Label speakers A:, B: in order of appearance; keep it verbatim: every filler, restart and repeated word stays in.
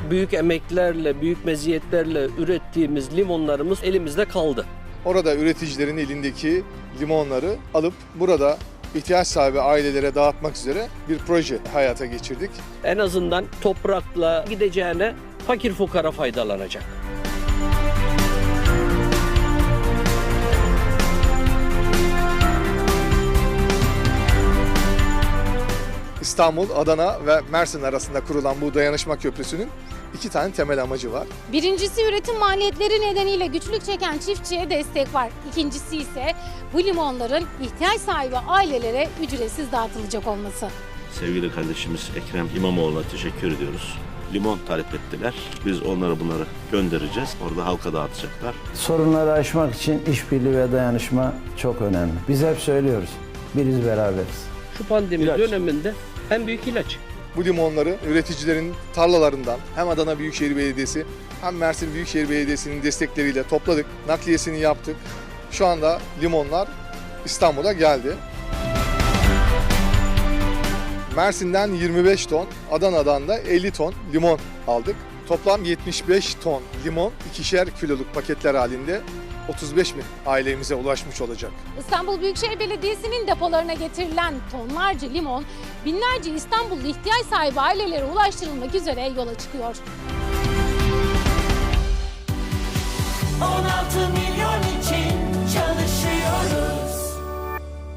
A: büyük emeklerle, büyük meziyetlerle ürettiğimiz limonlarımız elimizde kaldı.
B: Orada üreticilerin elindeki limonları alıp burada ihtiyaç sahibi ailelere dağıtmak üzere bir proje hayata geçirdik.
A: En azından toprakla gideceğine fakir fukara faydalanacak.
B: İstanbul, Adana ve Mersin arasında kurulan bu dayanışma köprüsünün iki tane temel amacı var.
C: Birincisi üretim maliyetleri nedeniyle güçlük çeken çiftçiye destek var. İkincisi ise bu limonların ihtiyaç sahibi ailelere ücretsiz dağıtılacak olması.
D: Sevgili kardeşimiz Ekrem İmamoğlu'na teşekkür ediyoruz. Limon talep ettiler. Biz onları bunları göndereceğiz. Orada halka dağıtacaklar.
E: Sorunları aşmak için işbirliği ve dayanışma çok önemli. Biz hep söylüyoruz, biriz beraberiz.
A: Şu pandemi
B: İlaç.
A: döneminde en büyük ilaç.
B: Bu limonları üreticilerin tarlalarından hem Adana Büyükşehir Belediyesi hem Mersin Büyükşehir Belediyesi'nin destekleriyle topladık. Nakliyesini yaptık. Şu anda limonlar İstanbul'a geldi. Mersin'den yirmi beş ton, Adana'dan da elli ton limon aldık. Toplam yetmiş beş ton limon ikişer kiloluk paketler halinde otuz beş bin ailemize ulaşmış olacak.
C: İstanbul Büyükşehir Belediyesi'nin depolarına getirilen tonlarca limon binlerce İstanbullu ihtiyaç sahibi ailelere ulaştırılmak üzere yola çıkıyor.
F: on altı milyon